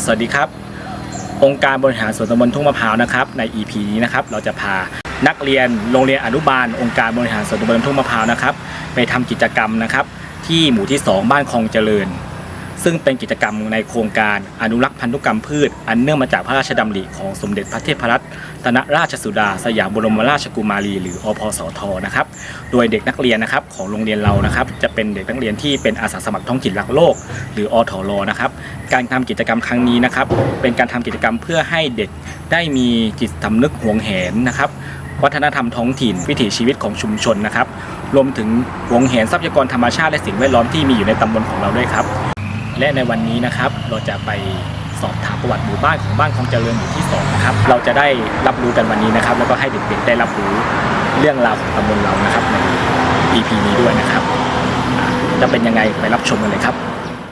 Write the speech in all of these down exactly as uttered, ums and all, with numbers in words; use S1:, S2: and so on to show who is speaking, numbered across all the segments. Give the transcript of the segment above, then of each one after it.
S1: สวัสดีครับองค์การบริหารส่วนตำบลทุ่งมะพร้าวนะครับใน อี พี นี้นะครับเราจะพานักเรียนโรงเรียนอนุบาลองค์การบริหารส่วนตำบลทุ่งมะพร้าวนะครับไปทำกิจกรรมนะครับที่หมู่ที่สองบ้านคลองเจริญซึ่งเป็นกิจกรรมในโครงการอนุรักษ์พันธุกรรมพืชอันเนื่องมาจากพระราชดำริของสมเด็จพระเทพรัตนราชสุดาสยามบรมราชกุมารีหรืออพสทนะครับโดยเด็กนักเรียนนะครับของโรงเรียนเรานะครับจะเป็นเด็กนักเรียนที่เป็นอาสาสมัครท้องถิ่นรักโลกหรืออทรนะครับการทำกิจกรรมครั้งนี้นะครับเป็นการทำกิจกรรมเพื่อให้เด็กได้มีจิตสำนึกหวงแหนนะครับวัฒนธรรมท้องถิ่นวิถีชีวิตของชุมชนนะครับรวมถึงหวงแหนทรัพยากรธรรมชาติและสิ่งแวดล้อมที่มีอยู่ในตำบลของเราด้วยครับและในวันนี้นะครับเราจะไปสอบถามประวัติหมู่บ้านของบ้านคลองเจริญหมู่ที่สองนะครับเราจะได้รับรู้กันวันนี้นะครับแล้วก็ให้เด็กๆได้รับรู้เรื่องราวของตำบลเรานะครับใน อี พี นี้ด้วยนะครับจะเป็นยังไงไปรับชมกันเลยครับ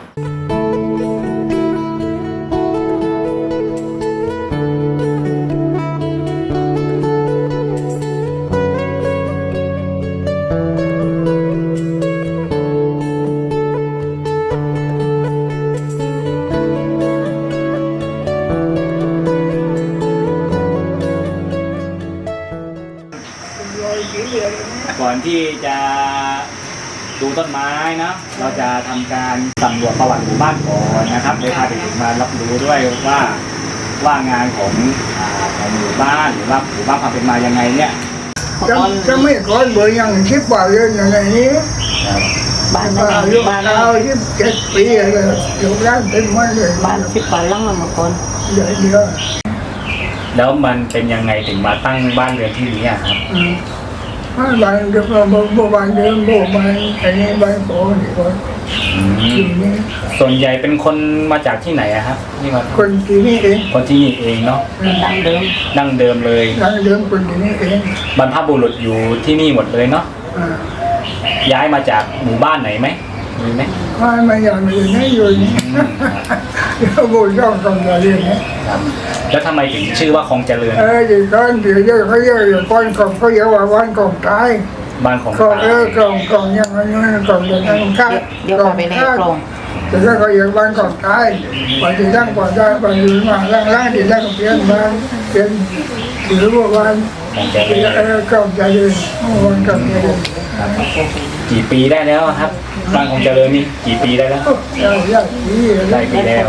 S1: ก่อนที่จะดูต้นไม้นะเราจะทำการสำรวจประวัติหมู่บ้านก่อนนะครับโดยพาเด็กๆมารับรู้ด้วยว่าว่างานของของหมู่บ้านหรือว่าหมู่บ้านความเป็นมายังไงเนี่ย
S2: จะจะไม่ก่อนเบอร์ยังชิบกว่าเรื่องอย่างนี้บ้านเราบ้านเราที่เจ็ดปีเลยอยู่ร้านเต็มหมดเลย
S3: บ้านชิบกว่าลังละมาก่อน
S2: เยอะเยอะ
S1: แล้วมันเป็นยังไงถึงมาตั้งบ้านเรือนที่นี้ครับ
S2: บ้านบ้านเดิมโบบ้านเดิมโบบ้านอันนี้บ้านโบนี่คน
S1: ส่วนใหญ่เป็นคนมาจากที่ไหนอะครับนี่มา
S2: คนที่นี่เอง
S1: คนที่นี่เองเนาะ
S3: ดั้งเดิม
S1: ดั้งเดิมเลย
S2: ดั้งเดิมคนที่นี่เอง
S1: บรรพบุรุษอยู่ที่นี่หมดเลยเนาะย้ายมาจากหมู่บ้านไหนไหมมีไหม
S2: ไม่ไม่อยากมีไม่อยู่นี่เดี๋ยวโบย่องคลองเจริญนะ
S1: แล้วทำไมถึงชื่อว่าคลองเจริญ
S2: เออเดี๋ยวก่อนเดี๋ยวเยอะเขาเยอะอยู่ก่อนของเขาเยอะว่าวันของตาย
S1: บ้านของ
S2: ตายเออกล่องกล่องยังไงกล่องเดินทางข้า
S3: เดี๋ยวไปในกล่อง
S2: แต่ถ้าเขาเยอะวันของตายไปที่ร่างก่อนได้ไปอยู่มาร่างร่างที่ร่างเปลี่ยนบ้านเปลี่ยนหรือว่าวันเออกล่องเจริญวันกล่องเจริญ
S1: กี่ปีได้แล้วครับบ้านของเจริญนี่กี่ปีได้แล้วได้ปีแล้ว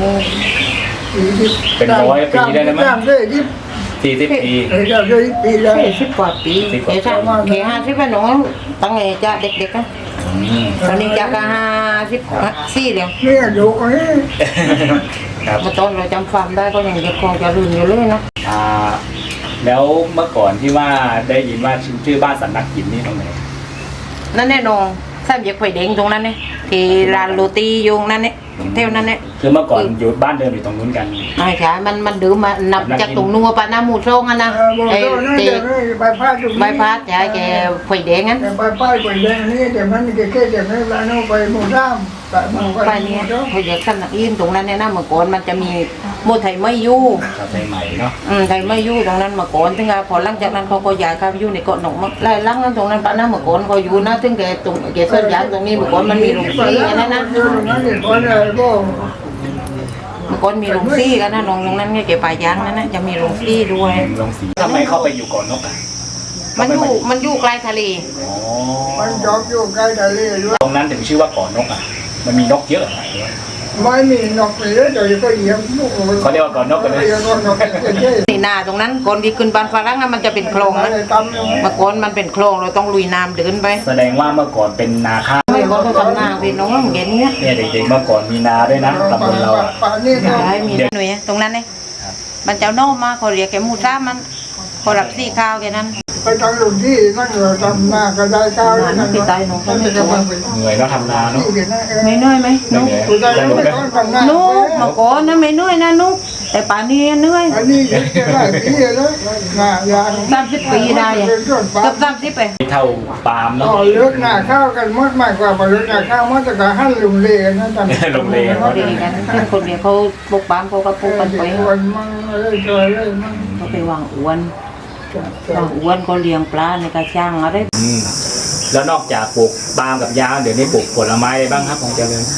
S1: เป็นร้อยปีได้แล้วมั้ยสี่สิบปี
S2: เออจะได้ปีแล้ว
S3: สี่สิบกว่าปีเอ๋จ้าแค่ห้าสิบเป็นน้องตั้งไงจ้าเด็กๆนะตอนนี้จ้าก็ห้าสิบสี่เดียว
S2: เนี่ยอยู่ไอ้
S3: มาตอนเราจำความได้ก็ยังเด็กคงจะลืมอยู่เลยนะ
S1: อ่าแล้วเมื่อก่อนที่ว่าได้ยินว่าชื่อบ้านสันนักหินนี่ตรงไหน
S3: นั่นแน่นอนแซมอยากไปเด้งตรงนั้นเนี่ยที่ร้านโรตียุงนั่นเนี่ยเท่านั้นเนี่ย
S1: คือเมื่อก่อนอยู่บ้านเดิมอยู่ตรงนู้นกัน
S3: ไม่ใช่มันมันดื้อมานับจากตรงนัวปะน้ำหมูทรงกันนะ
S2: ไอ้เจ๊ใบพัด
S3: ใบพัดใช่แกไปเด้งงั้น
S2: ใบพัดไปเด้งนี่แต่มันแค่แค่แต่ไม่ร้านเอาไปหมูร่าม
S3: ไปเนี่ยเขาอยากขนาดอินตรงนั้นเนี่ยนะเมื่อก่อนมันจะมีโมไทยไม่ยู่
S1: ไทยใหม่เนาะ
S3: อืมไทยไม่ยู่ตรงนั้นเมื่อก่อนถึงพอหลังจากนั้นเขาก็ย้ายเข้าอยู่ในเกาะหนองมักไล่ลังนั้นตรงนั้นปะน้ำเมื่อก่อนเขาอยู่นะถึงแกตรงแกเส้นยางตรงนี้เมื่อก่อนมันมีโรงสีกันนะนะเมื่อก่อนมีโรงสีกันนะน้องตรงนั้นเนี่ยแกป่ายางนั่นนะจะมีโรงสีด้วย
S1: โรงสีทำไมเข้าไปอยู่เกาะนกอ่ะ
S3: มันอยู่มันอยู่ใกล้ทะเล
S1: อ๋อ
S2: มันจอบอยู่ใกล้ทะเลด้วย
S1: ตรงนั้นถึงชื่อว่าเกาะนกอ่ะมันมีนกเยอะ
S2: ไม่มีนกเลยเดี๋ยวก็เหยียบนก
S1: เขาเรียกว่าเกาะนกกันเลย
S3: นี่นาตรงนั้นก่อนที่ขึ้นบ้านฝรั่งมันจะเป็นคลองนะเมื่อก่อนมันเป็นคลองเราต้องลุยน้ำเดินไป
S1: แสดงว่าเมื่อก่อนเป็นนาข้าว
S3: เมื่อก่อนเขาทำนาเป็นน้องเหมือนกันเนี่ย
S1: เนี่ยเด็กๆเมื่อก่อนมีนาด้วยนะตำบลเรา
S3: ใช่มีหน่วยตรงนั้นเนี่ยมันเจ้าโน้มาเขาเรียกแกมูซ่ามันเขารับซี่ข้าวแกนั้น
S2: ไปทำหลุมที่นั่งเราทำนาก็ได้ข้าว
S3: นั่นคือตายหนูก็ไม่เห
S1: นื่อยแล้วทำนาเนาะ
S3: ไม่เหนื่อยไหมนุ๊กนุ๊กมาก่อนนะไม่เหนื่อยนะนุ๊กแต่ป่านนี้เหนื่อย
S2: อันนี้ได้ปีแล้วงายาง
S3: สามสิบปีได้เกือบสามสิบไป
S1: เท่าปาล์มเนาะ
S2: เลือกหน้าข้าวกันมดมากกว่าเลือกหน้าข้าวมดแต่ก็หั่นลุงเล่นะ
S1: ทำลุงเล่
S3: เขาเรียนกันเช่นคนเดียวเขาปลูกปาล์มเขาก็ปลูกกันไปเขาไปวางอวนวางอวนเขาเลี้ยงปลาในกระชังอะไร
S1: แล้วนอกจากปลูกปาล์มกับยางเดี๋ยวนี้ปลูกผลไม้อะไรบ้างครับของเจริญ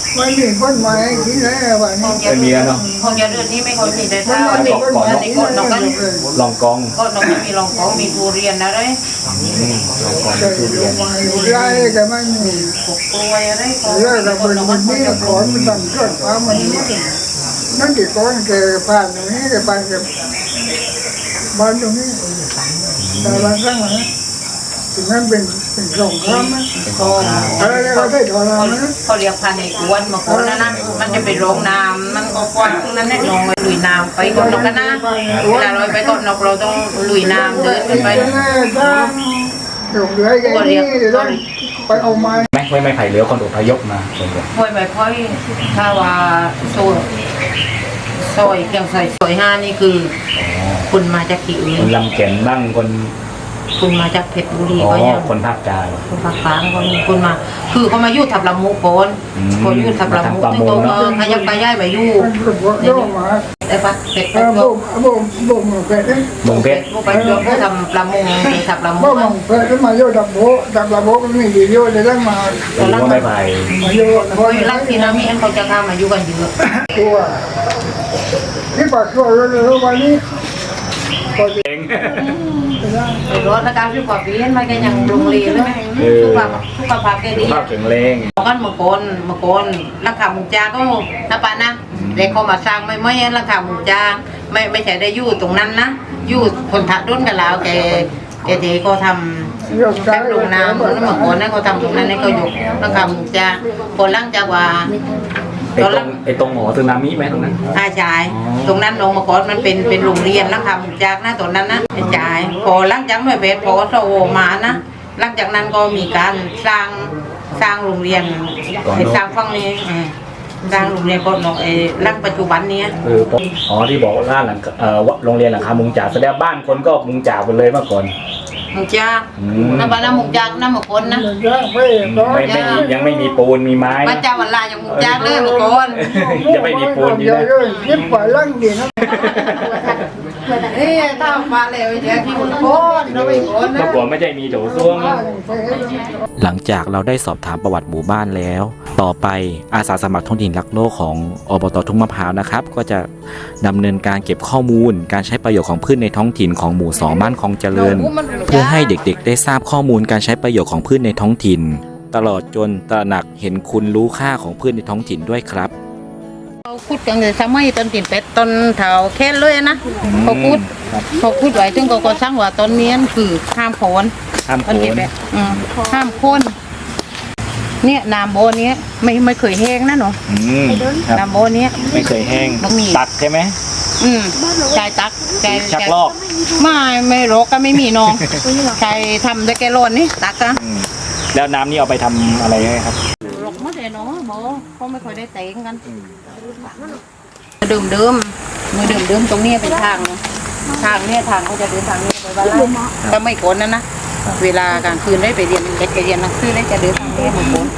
S2: ไม่มีคนมาให้กินแล้ววัน
S3: ค
S2: นี้
S3: งจะ
S1: ไม่มีแล้วเนาะ
S3: คงจะเลือดนี้ไม่ค่อยมีแต่ถ้า
S2: มันมีคนมา
S3: อัน
S2: กิ
S3: นี้
S2: น
S3: ก็น
S2: แล้
S3: อกกัน
S2: ว
S1: ลองกอง
S3: ก็นอกจากมีรองของมีทุเรียนอะไร
S1: อืมลองกอง
S2: แต่
S1: ทุ
S2: ล
S1: เรีย
S2: ง
S1: น
S2: มาอยู่ไรแต่ไม่มี
S3: ปกกล้วยอะไรก็
S2: เรื่องเราเป็นคนนี้ก่อนมันต้องเกิดความมันนั่นกี่คนแกผ่านตรงนี้แกผ่านแกบ้านตรงนี้แต่บางครั้งนะถึงนั้นเป็นเป็นสงครามนะ
S3: ก็
S2: อะไรก็ได้ถอนเรานะ
S3: เขาเรียกพันในกวนมาคนนั้นนะมันจะไปโรงน้ำมันก็กว้างนั้นแน่นอนลุยน้ำไปก่อนนกกันนะเวลาเราไปก่อนนกเราต้องลุยน้ำเดินขึ้นไป
S2: ถูกเลยแกนี่ต้องไปเอาไม้
S1: ไม่ไม่ไม่ไผ่เหลือคนอพยพมาส่วนใหญ่
S3: ค่อยไปค่อยถ้าว่าโซยซอยเกียงใส่ซอยห้านี่คือคุณมาจากที่อื่
S1: คน นลำเก่นบ้างคน
S3: คุณมาจากเพชรบุรี
S1: อ๋อ
S3: ก็ยัง
S1: คนภาคกลาง
S3: คนภาคกลางก็มีคนมา คือเขามาอยู่ทับลำมุก่อน
S1: อืม
S3: เขาอยู่ทับลำมุ
S1: มาทำประม
S3: ซึ่ง
S1: ง
S3: เขา
S1: เนอะ
S3: เออขยับไปย้ายมาอยู่
S2: มันก็บอกย่อมา
S3: ไอ้ปะเป็ด
S2: เอ
S3: เป็ด
S2: อ
S3: ก็
S2: บ่มบ่มบ่มเป็ดเนี่ย
S1: เมืองเพชร
S3: พวกไปเพื่อทำประมงไปทับลำมุ
S2: บ่มเป็ดแล้วมาโยดับโบดับระโบก็มีดีโยได้ตั้งมา
S1: หรือว่าไม่ไผ่
S2: มาโย
S3: โอ้ยรักที่นามีอันเขาจะเข้ามาอยู่กันเยอะ
S2: ตัวที่ปากตัวรู้วันนี้ก็
S1: เอง
S3: ไปรถแล้วการที่กว่าปีนมันก็ยังลงเรียนเลยสุขภาพสุขภาพแก
S1: สุ
S3: ดี
S1: ขภาพแข็งแรง
S3: กันเมื่อก่อนเมื่อก่อนราคาหมูจาก็นะปะนะเด็กเขามาสร้างไม่ไม่ราคาหมูจาไม่ไม่ใช่ได้อยู่ตรงนั้นนะอยู่คนถัดรุ่นกันแล้วแกแกเด็กก็ทำ
S2: ยก
S3: แป๊บลงน้ำแล้วเมื่อก่อนนั้นเขาทำตรงนั้นให้เขาอยู่ราคาหมูจาพอหลังจากว่า
S1: ไอ้ตรงไอ้ตรงหมอสึนามิไหมตรงนั้น
S3: อาชายตรงนั้นลงมาก่อนมันเป็นเป็นโรงเรียนราคาหมูจากนะตรงนั้นนะอาชายพอหลังจากไม่เป็นพอโซมานะหลังจากนั้นก็มีการสร้างสร้างโรงเรียนให้สร้างฝั่งนี้อืมสร้างโรงเรียนก็นไอ้หลังปัจจุบันเนี้ย
S1: คือผมอ๋อที่บอกว่าร้านหลังเอ่อโรงเรียนหลังคามุงจ่าแสดงบ้านคนก็มุงจ่าหมดเลยเมื่อก่อน
S3: หมูจาก
S1: อืม
S3: น้ำปลาน้ำหมูจากน้ำหมูคนนะ
S2: ไม่ก็
S1: ไม่ไม่มียังไม่มีปูนมีไม้
S3: พระเจ้าวันลาอย่างหมูจากเลยหมูคน
S1: จะไม่มีปูนอยู่
S2: เย
S1: นะ
S2: อะเลยคิดไปลังดีนะ
S3: เอ้ยถ้ามาแล้วเดี๋ยวที่หมูคนเราไม่คนนะ
S1: เมื่อก่อนไม่ใช่มีโถส้วม
S4: หลังจากเราได้สอบถามประวัติหมู่บ้านแล้ว ต่อไปอาสาสมัครท้องถิ่นรักโลกของอบตทุ่งมะพร้าวนะครับ ก็จะดำเนินการเก็บข้อมูล การใช้ประโยชน์ของพืชในท้องถิ่นของหมู่สองบ้านคลองเจริญ เพื่อให้เด็กๆ ได้ทราบข้อมูลการใช้ประโยชน์ของพืชในท้องถิ่น ตลอดจนตระหนักเห็นคุณรู้ค่าของพืชในท้องถิ่นด้วยครับ
S3: เขาพูดกันเลยสมัยต้นตินเป็ดต้นเถาแค่เลยนะเขาพูดเขาพูดไว้ถึงก็ก็สร้างว่าต้นนี้คือห้ามโคน
S1: ห้ามโค
S3: ต้นติน
S1: น
S3: เป็ดอืมห้ามโคนเนี่ยน้ำโบเนี้ยไม่ไม่เคยแห้งนะหนู
S1: อืมครับ
S3: น้ำโบเนี้ย
S1: ไม่เคยแห้ง
S3: ต้องมี
S1: ตัดใช่ไหม
S3: อืมชายตักแก
S1: ชักลอก
S3: ไม่ไม่รกก็ไม่มีน้องชายทำได้แกโลนนี่ตักอะ
S1: อืมแล้วน้ำนี่เอาไปทำอะไรให้ครับ
S3: รกหมดเลยน้องโบเขาไม่ค่อยได้เตงกันดื่มดื่มมือดื่มดื่มตรงนี้เป็นทางนะทางเนี่ยทางเขาจะเดินทางนี้ไปบ้านไร่ก็ไม่โกนนะนะเวลากลางคืนได้ไปเรียนเด็กไปเรียนหนังสือได้จะเดินทางนี้ไม่โกน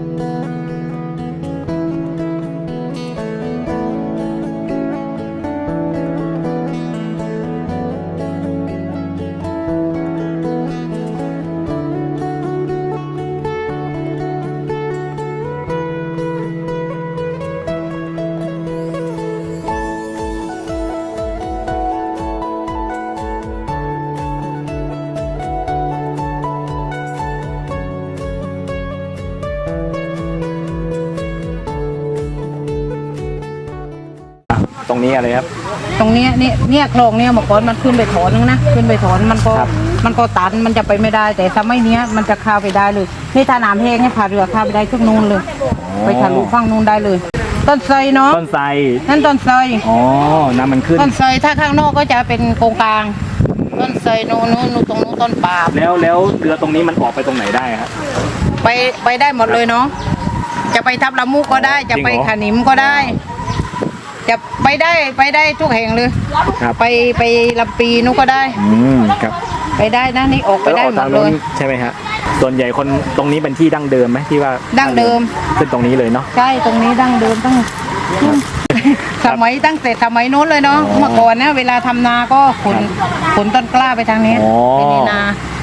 S1: ตรงนี้อะไรครับ
S3: ตรงเนี้ยเนี่ยเนี่ยคลองเนี่ยเมื่อก่อนมันขึ้นไปถอนนึงนะขึ้นไปถอนมันก็
S1: ครับ
S3: มันก็ตันมันจะไปไม่ได้ แต่สมัยเนี้ยมันจะเข้าไปได้เลยนี่ถ้าน้ำแห้งเนี่ยพาเรือเข้าไปได้ทุกนู่นเลย ไปทะลุฝั่งนู่นได้เลย ต้นไทรเนาะ
S1: ต้นไทร
S3: นั่นต้นไทร
S1: อ๋อ น้ำมันขึ้น
S3: ต้นไทรถ้าข้างนอกก็จะเป็นโกงกลาง ต้นไทรนู่นนู่นนู่นตรงนู้นต้นปาล์ม
S1: แล้วแล้วเรือตรงนี้มันออกไปตรงไหนได้ครับ
S3: ไปไปได้หมดเลยเนาะจะไปทับละมุก็ได้ จะไป
S1: จริงเหรอ
S3: ขานิมก็ได้ จะไปได้ไปได้ทุกแห่งเลย
S1: ครับ
S3: ไปไปลำปีนู้นก็ได้
S1: อืมครับ
S3: ไปได้นะนี่ออกไป
S1: แล้ว
S3: ได้
S1: ออก
S3: หม
S1: ทาง
S3: ดเล
S1: นู้น
S3: ย
S1: ใช่ไหมฮะส่วนใหญ่คนตรงนี้เป็นที่ดั้งเดิมไหมที่ว่า
S3: ดั้งเดิม
S1: ขึ้นตรงนี้เลยเนาะ
S3: ใช่ตรงนี้ดั้งเดิมตั้งสมัยตั้งแต่สมัยนู้นเลยเนาะ
S1: อ๋อ
S3: เมื่อก่อนนะเวลาทำนาก็ขนขนต้นกล้าไปทางนี้
S1: อ๋อ
S3: ไปในนา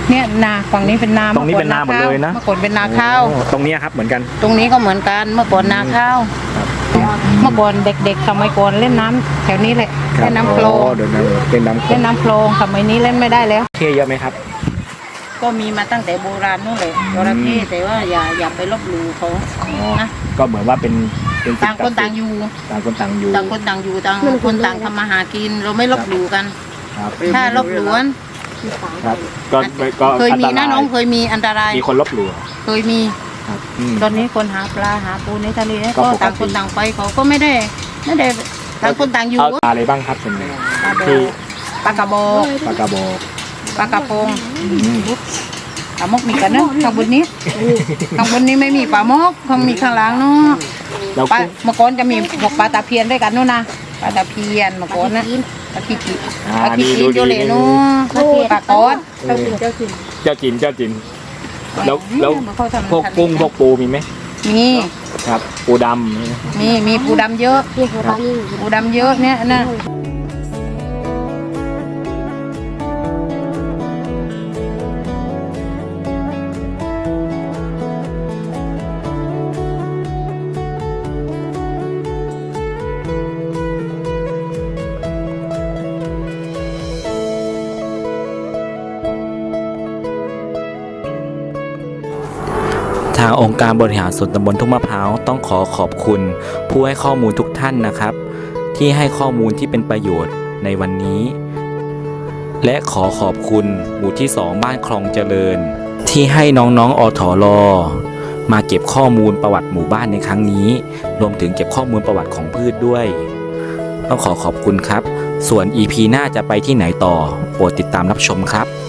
S3: เนี่ยนาฝั่งนี้เป็นนา
S1: ตรงนี้เป็นนาหมดเลยนะ
S3: เมื่อก่อนเป็นนาข้าว
S1: โอ้ตรงเนี้ยครับเหมือนกัน
S3: ตรงนี้ก็เหมือนกันเมื่อก่อนนาข้าวเมื่อก่อนเด็กๆสมัยก่อนเล่นน้ำแถวนี้แหละเล่นน้ำโคลง
S1: เดินน้ำเป็นน้ำโคล
S3: เล่
S1: ง
S3: นน้ำโคลงสมัยนี้เล่นไม่ได้แล้ว
S1: เท่เยอะไหมครับ
S3: ก็มีมาตั้งแต่โบราณนู่นเลยจระเข้แต่ว่าอย่าอย่าไปลบหลู่เขานะ
S1: ก็เหมือนว่าเป็นเป็น
S3: ต่างคนต่างอยู่
S1: ต่างคนต่างอยู่
S3: ต่างคนต่างอยู่ต่างคนต่างทำมาหากินเราไม่ลบหลู่กัน
S1: ครับ
S3: ถ้าลบหลู่กัน
S1: ครับก็ก็
S3: เคยมี
S1: อัต
S3: นะ
S1: ราย
S3: น้องเคยมีอันตราย
S1: มีคนลบหลู่
S3: เคยมี
S1: ครับอืม
S3: ตอนนี้คนหาปลาหาปูในทะเล
S1: ก็
S3: ก็
S1: ปกติ
S3: ต่างคนต่างไปเขาก็ไม่ได้ไม่ได้ต่างคนต่างอยู่
S1: เอาปลาอะไรบ้างครับส่วนใหญ่
S3: ปลาโบ
S1: ที่
S3: ปลากระบอก
S1: ปลากระบอก
S3: ปลากระพง
S1: อืม
S3: ปลามกมีกันนะข้างบนนี้ข้างบนนี้ไม่มีปลามกข้างมีข้างล่างเนาะ
S1: แล้ว
S3: ปลา
S1: กุ้ง
S3: เมื่อก่อนจะมีพวกปลาตะเพียนด้วยกันนู่นนะปลาตะเพียนเมื่อก่อนนะปลาขี้จี
S1: อ่า
S3: ปลาขี้จี
S1: นี่ดู
S3: โจเล
S1: ดี
S3: เนาะปลากอด
S1: เออเจ้าจินเจ้าจินแล้วแล้ว
S3: เขาทำ
S1: พวกกุ้งพวกปูมีไหม
S3: มี
S1: ครับปูดำ
S3: มีมีปูดำเยอะปูดำเยอะเนี่ยนะ
S4: ทางองค์การบริหารส่วนตำบลทุ่งมะพร้าวต้องขอขอบคุณผู้ให้ข้อมูลทุกท่านนะครับ ที่ให้ข้อมูลที่เป็นประโยชน์ในวันนี้ และขอขอบคุณหมู่ที่สองบ้านคลองเจริญ ที่ให้น้องๆอถรมาเก็บข้อมูลประวัติหมู่บ้านในครั้งนี้ รวมถึงเก็บข้อมูลประวัติของพืชด้วย ต้องขอขอบคุณครับ ส่วน อี พี หน้าจะไปที่ไหนต่อโปรดติดตามรับชมครับ